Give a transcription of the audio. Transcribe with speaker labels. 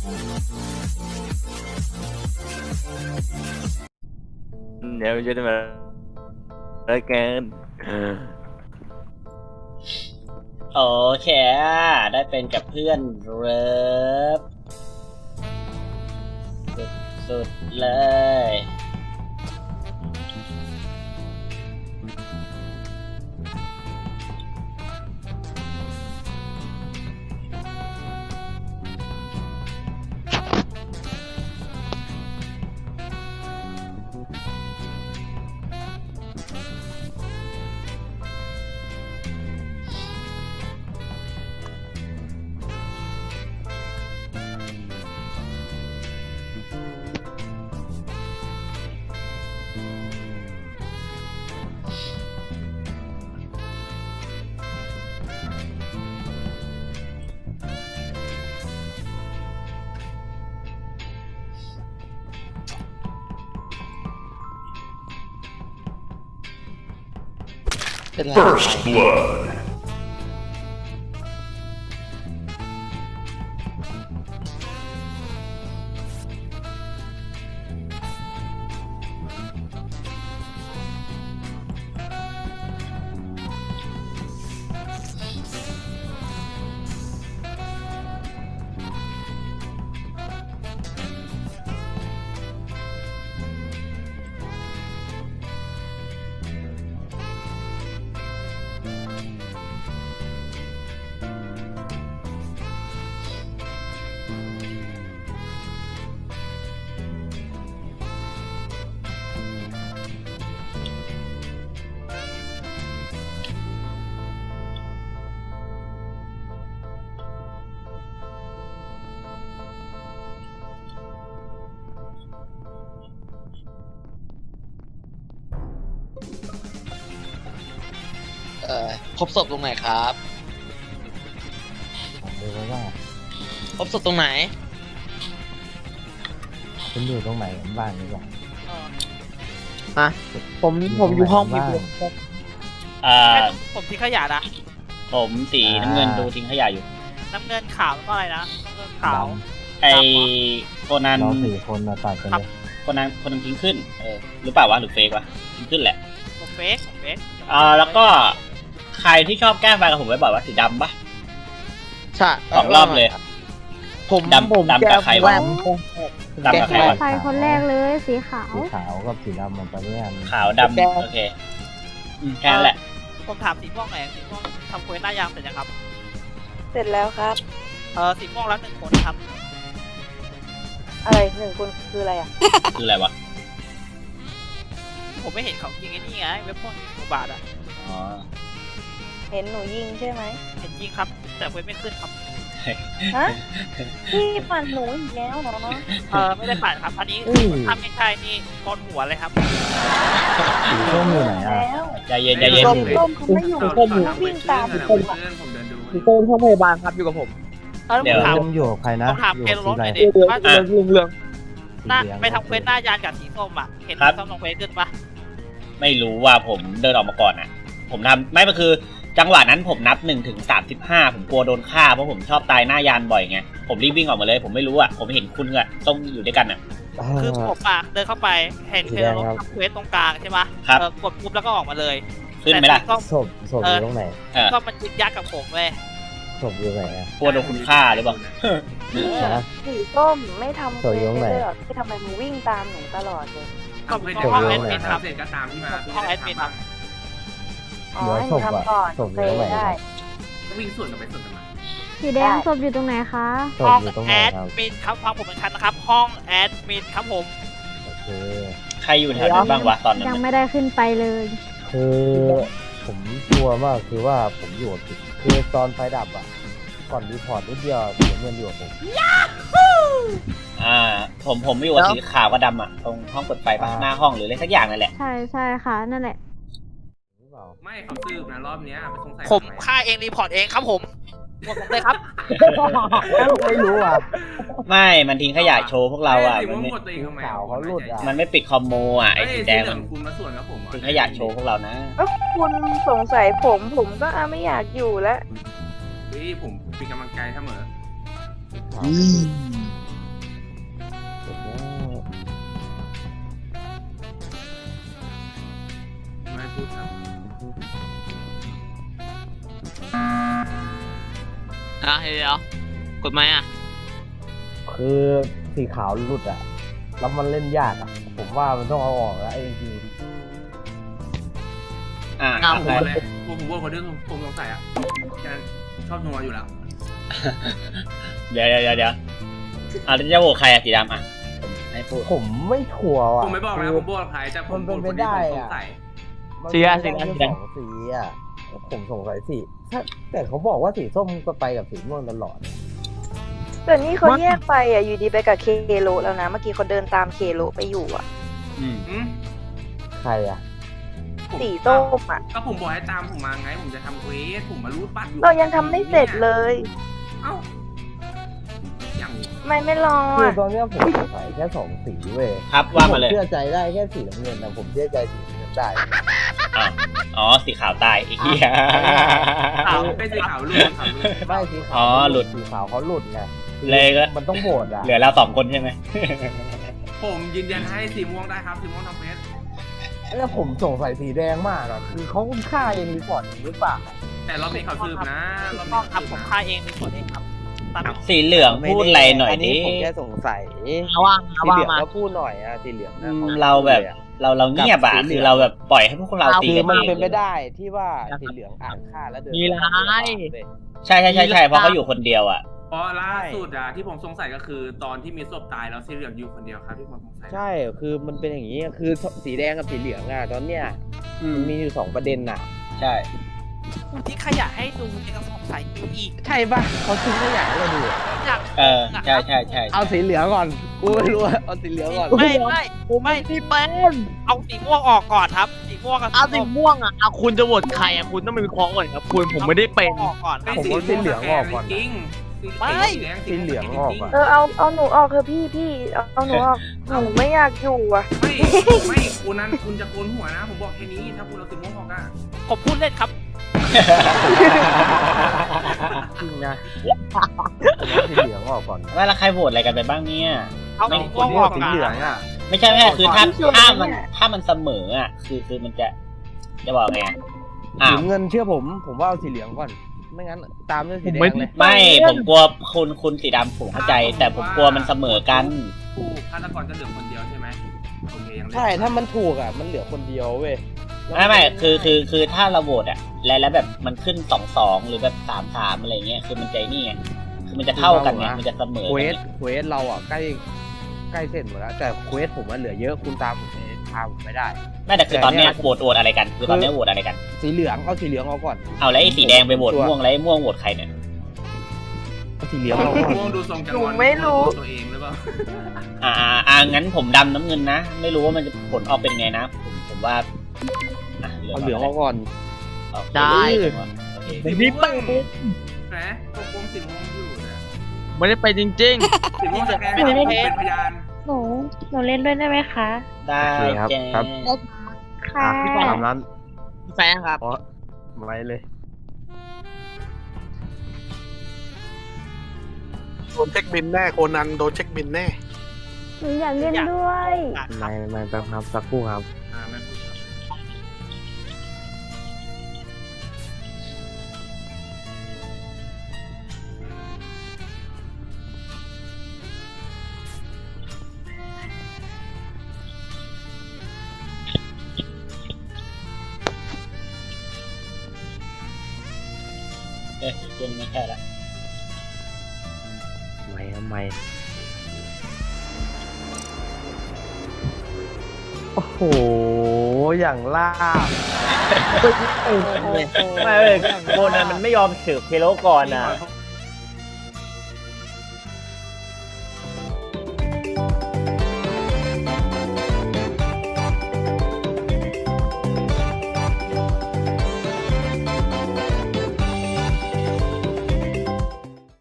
Speaker 1: เดี๋ยวจะมาแล้วกัน
Speaker 2: โอเคได้เป็นกับเพื่อนเลิฟสุดๆเลย
Speaker 3: First blood.
Speaker 4: พบศพตรงไหนครับ
Speaker 5: ดูว่า
Speaker 4: พบศพตรงไหน
Speaker 5: คุณอยู่ตรงไหนบ้างนี่ก่อน
Speaker 6: ผมอยู่ห้องมีผม
Speaker 7: ผมทิ้งขยะนะ
Speaker 2: ผมสีน้ำเงินดูทิ้งขยะอยู่
Speaker 7: น้ำเงินขาวแล้วก็อะไรนะน้ำเงินขาว
Speaker 2: ไอโคนัน
Speaker 5: เรา4 คนมาตัดกันเลย
Speaker 2: คนนั้นทิ้งขึ้นหรือเปล่าวะหรือเฟกวะทิ้งขึ้นแหละ
Speaker 7: ผมเฟก
Speaker 2: แล้วก็ใครที่ชอบแกล้งไฟกับผมไว้บอกว่าสีดำปะ
Speaker 6: ใช่
Speaker 2: 2 รอบเลย
Speaker 6: ผม
Speaker 2: ดำกับใครวะ ดำกับใครวะ
Speaker 8: ไฟคนแรกเลยสีขาว
Speaker 5: สีขาวกับสีดำมันตอนนี้มัน
Speaker 2: ขาวดำโอเคแค่นั้นแหละ
Speaker 7: ผมถามสีม่วงหน่อยสีม่วงทำเควสหน้ายางเสร็จยังครับ
Speaker 9: เสร็จแล้วครับ
Speaker 7: สีม่วงแล้ว1 คนครับ
Speaker 9: อะไร1 คนคืออะไรอ่ะ
Speaker 2: คืออะไรวะ
Speaker 7: ผมไม่เห็นเขายิงไอ้นี่ไงเว็บพวกอุบาทอ่ะ
Speaker 2: อ๋อ
Speaker 9: เห็นหนูยิงใช่ไหม
Speaker 7: เห็นยิงครับ แต่เว็บไม่ขึ้นครับ
Speaker 9: ฮะพี่ปั่นหนูอีกแล้วเหรอ
Speaker 7: ไม่ได้ปั่นครับอันนี้ถ้าไม่ใช่นี่โกนหัวเลยครับ
Speaker 5: สีส้มอยู่ไหนอ่ะ
Speaker 9: แล้ว
Speaker 2: ใจเย็นใจเย็น
Speaker 9: ส้มเขาไม่อยู่ส้มวิ่งตามผมอ่ะ
Speaker 6: อยู่ตรงห้องพยาบาลครับอยู่กับผม
Speaker 2: เดี๋ยว
Speaker 5: ส้มอยู่กับใครนะ
Speaker 7: ผมถาม
Speaker 5: อยู่
Speaker 7: เก
Speaker 5: กับ
Speaker 7: ลร
Speaker 5: สี
Speaker 7: ถห
Speaker 5: อะไร
Speaker 7: น่อยดิว่า
Speaker 6: เรื่อง
Speaker 7: หน้าไปทำเควสหน้ายานกับสีส้มอ่ะเห็นสีส้มลงเควสขึ้นปะ
Speaker 2: ไม่รู้ว่าผมเดินออกมาก่อนอ่ะ ผมทำไม่มันคือจังหวะนั้นผมนับ1 ถึง 35ผมกลัวโดนฆ่าเพราะผมชอบตายหน้ายานบ่อยไงผมรีบวิ่งออกมาเลยผมไม่รู้อ่ะผมเห็นคุณอะต้องอยู่ด้วยกันอ่ะ
Speaker 7: คือผมอ่ะเดินเข้าไปเห็นเกลรถทำเควสตรงกลางใช่ปะกดปุ๊บแล้วก็ออกมาเลย
Speaker 2: ขึ้นไหมล่ะ
Speaker 5: ศพอยู่ตรงไหน
Speaker 7: ก็มันยึดยักกับผมเลย
Speaker 5: ศพอยู่ไหนอ่ะ
Speaker 2: กลัวโดนคุณฆ่าหรือเปล่า
Speaker 9: สีส้มไม่ทำเควสเลยเหรอที่ทำไมมึงวิ่งตามหนูตลอดเลย
Speaker 7: ก็ห้องแอดมินครับห้องแอดมินครับ
Speaker 9: อ๋อให้หนูทำก่อนเคยได้
Speaker 8: สีแดงศพอยู่ตรงไหนคะ
Speaker 5: ศพ
Speaker 7: ห้อง
Speaker 5: อยู่ตรงไห
Speaker 7: แอน ด
Speaker 5: ครับ
Speaker 7: มินครับฟังผมเป็นชั้นนะครับ ห้องแอดมินครับผม
Speaker 5: โอเค
Speaker 2: ใครอยู่แถวนั้นบ้างวะตอนนั้น
Speaker 8: ยังไม่ได้ขึ้นไปเลย
Speaker 5: คือผมกลัวมากคือว่าผมอยู่กับคือตอนไฟดับอ่ะก่อนรีพอร์ตนิดเดียวสีเงินอยู่กับผม
Speaker 2: ผมไม่อยู่กับสีขาวกับดำอ่ะตรงห้องเปิดไฟปะหน้าห้องหรืออะไรสักอย่างนั่นแหละ
Speaker 8: ใช่ใช่ค่ะนั่นแหละ
Speaker 10: ไม่เขาสืบนะรอบเนี้ยสงสัย
Speaker 7: ผมฆ่าเองรีพอร์ตเองครับผมหมดผมเลยครับ
Speaker 5: ไม่รู้อ่ะ
Speaker 2: ไม่มันทิ้งขยะโชว์พวกเราอ่ะ
Speaker 10: มั
Speaker 2: มัน น
Speaker 10: ไม่
Speaker 2: ไม่
Speaker 10: หมดตัวเองทำไม
Speaker 5: ข่าวเขาหลุดอ่ะ
Speaker 2: มันไม่ปิดคอมโมอ่ะไอ้สีแดงมัน
Speaker 10: คุณมาส่วนกับผม
Speaker 2: ทิ้งขยะโชว์พวกเรานะ
Speaker 9: คุณสงสัยผมก็ไม่อยากอยู่แล้ว
Speaker 10: ผมเป็นกำลังใจเสมอ
Speaker 4: เดี๋ยวกดไหมอ่ะ
Speaker 5: คือสีขาวหลุดอ่ะแล้วมันเล่นยากอ่ะผมว่ามันต้องเอาออกแล้วไอ้จริง
Speaker 10: ผมเลยผมว่าคนที่ผมสงสัยอ่ะแค่นั้นชอบนัวอยู่แล้ว
Speaker 2: เดี๋ยวจะโหวตใครอะสีดำอะผมให้พูด
Speaker 5: ผมไม่ชัวร์อ่ะ
Speaker 10: ผมไม่บอกนะผมบอกใครแต่ผมคนที่ผมสงสัย
Speaker 5: สีสองสีอ่ะผมสงสัยสีแต่เขาบอกว่าสีส้มก็ไปกับสีม่วงตลอด
Speaker 9: แต่นี่เขาแยกไปอ่ะอยู่ดีไปกับเคโลแล้วนะเมื่อกี้เขาเดินตามเคโลไปอยู่อ่ะ
Speaker 5: ใครอ่ะ
Speaker 9: สีส้มอ่ะ
Speaker 10: ก็ผมบอกให้ตามผมมาไงผมจะทำเควสผมมารูดบัตรอยู่
Speaker 9: เรายังทำไม่เสร็จเลย
Speaker 10: เอ้าอย่าง
Speaker 9: ไม่รอ
Speaker 5: คือ
Speaker 9: อ่ะ
Speaker 5: ตอนนี้ผมสงสัยแค่สองสีเว้ย
Speaker 2: ครับว่ามาเลย
Speaker 5: ผมเชื่อใจได้แค่สีน้ำเงินนะผมเชื่อใจสีน้ำเงินได้
Speaker 2: อ๋อสีขาวตายไอ้เหี้ย
Speaker 10: ขาวไม่ใช่ขาวรูดขาวรูด
Speaker 5: ไม่สีขาว
Speaker 2: อ๋อหลุด
Speaker 5: สีขาวเขาหลุดไง
Speaker 2: เลยก็
Speaker 5: มันต้องโหวตอ่ะ
Speaker 2: เหลือเรา2 คนใช่ไหม
Speaker 10: ผมยืนยันให้สีม่วงได้ครับสีม่วงทำเควส
Speaker 5: แล้วผมสงสัยสีแดงมากอ่ะคือเขาฆ่าเองรีพอร์ตเองหรือเปล่า
Speaker 10: แต่รอบนี้เขาสืบนะรอบ
Speaker 7: ต้
Speaker 10: นี้
Speaker 7: องครับผมฆ่าเองเป็นคนเองครับตาม
Speaker 2: สีเหลืองพูดอะไรหน่อยดิ
Speaker 5: ผมแค่สงสัย
Speaker 4: ว่าง
Speaker 5: สีเหลืองก็พูดหน่อยอ่ะสีเหลืองนะ
Speaker 2: เราแบบเราเงียบอะคือเราแบบปล่อยให้พวกเราตี
Speaker 5: คือ
Speaker 2: กัน
Speaker 5: มัน
Speaker 2: เอง
Speaker 5: เป็นไปได้ที่ว่าสีเหลืองอ่านฆ่าแล้วเดิน
Speaker 4: มีไร
Speaker 2: ใช่เพราะเขาอยู่คนเดียวอะ
Speaker 10: เพราะล่าสุดที่ผมสงสัยก็คือตอนที่มีศพตายแล้วสีเหลืองอยู่คนเดียวครับที่ผมสงสัย
Speaker 5: ใช่คือมันเป็นอย่างนี้คือสีแดงกับสีเหลืองอ่ะตอนเนี้ยมันมีอยู่2ประเด็นน่ะ
Speaker 2: ใช่
Speaker 7: ที่ขยะให้ดูในกระสอบใส่อีก
Speaker 5: ใช่ป่ะเขาทิ้งขยะให้เราดู
Speaker 7: อยาก
Speaker 2: ใช่
Speaker 5: เอาสีเหลืองก่อนกูไม่รู้เอาสีเหลืองก่อน
Speaker 7: ไม่ที่เป็นเอาสีม่วงออกก่อนครับสีม่วงกับ
Speaker 4: เอาสีม่วงอ่ะเอาคุณจะโหวตใครอ่ะคุณต้องมีวิเคราะห์ก่อนครับคุณผมไม่ได้เป็น
Speaker 7: ออกก่อนครับ
Speaker 5: ผมว่าสีเหลืองออกก่อน
Speaker 10: จริง
Speaker 5: สีเหลืองออกอ่ะ
Speaker 9: เอาหนูออกเถอะพี่เอาหนูออกหนูไม่อยากอยู่อ่ะ
Speaker 10: ไม่คุณนั้นคุณจะโกนหัวนะผมบอกแค่นี้ถ้าคุณเอาสีม่วงออกอะ
Speaker 7: ผมพูดเล่นครับ
Speaker 5: จริงนะผมว่าสีเหลืองออกก่อน
Speaker 2: ว่าแล้วใครโหวตอะไรกันไปบ้างเนี่ย
Speaker 7: เอา
Speaker 2: ไม่
Speaker 7: สีม่วงออก
Speaker 5: สี
Speaker 7: ก่อน
Speaker 5: เหลืองอ่ะ
Speaker 2: ไม่ใช่คือถ้ามันเสมออะคือมันจะบอกไง
Speaker 5: สีเงินเชื่อผมว่าเอาสีเหลืองก่อนไม่งั้นตามด้วยสีแดงเลย
Speaker 2: ไม่ผมกลัวคุณสีดำผมเข้าใจ แต่ผมกลัวมันเสมอกัน
Speaker 10: ผู้ฆาตกรจะเหลือคนเดียวใช่ไหมโอเคยัง
Speaker 5: ใช่ถ้ามันถูกอ่ะมันเหลือคนเดียวเว้ย
Speaker 2: ไม่คือถ้าเราโหวตอะแล้วแบบมันขึ้น2-2หรือแบบ3-3อะไรเงี้ยคือมันใจนี่ไงคือมันจะเท่ากันไงมันจะเสมอ
Speaker 5: เควสเราอ่ะใกล้เสร็จหมดแล้วแต่เควสผมมันเหลือเยอะคุณตามผมไม่ได้
Speaker 2: ไม่แต่คือตอนเนี้ยโหวตอะไรกันคือตอนเนี้ยโหวตอะไรกัน
Speaker 5: สีเหลืองเอาสีเหลืองเอาก่อน
Speaker 2: เอาแล้วไอ้สีแดงไปโหวตม่วงแล้วไอ้ม่วงโหวตใครเนี่ย
Speaker 5: เอาสีเหลืองเอาก่อน
Speaker 10: ม่วงดูทรงจัง
Speaker 9: หนูไม่รู้
Speaker 10: ตัวเองหรือเปล่า
Speaker 2: งั้นผมดำน้ำเงินนะไม่รู้ว่ามันจะผลออกเป็นไงนะผมว่า
Speaker 5: เอาเหลืองเอาก่อน
Speaker 4: ได้
Speaker 2: โอเค
Speaker 4: ผมนี่เป็น
Speaker 10: แหมกลมสีม่วงอยู่นะ
Speaker 4: ไม่ได้ไปจริง
Speaker 10: สีม่วงสแกนเป็นพยาน
Speaker 8: หนูเล่นด้วยได้ไหมคะ
Speaker 2: ได้
Speaker 5: ครับ
Speaker 2: แจ้
Speaker 5: ครับ
Speaker 8: ค่ะ
Speaker 5: ตามนั้น
Speaker 4: ๆแฟนครับ
Speaker 5: ไว้เลย
Speaker 3: โดนเช็คบินแน่โคนันโดนเช็คบินแน่
Speaker 8: หนูอยากเล่นด้วย
Speaker 5: ไม่แป๊บครับสักครู่ครับ
Speaker 10: ไม่พูดครับ
Speaker 2: เอ้ยเกมไม่แค่ละ
Speaker 5: ไม่โอ้โหอย่างล่าบ
Speaker 2: ไม่เลยโบนันมันไม่ยอมสืบเคโลก่อนอ่ะ
Speaker 10: ผม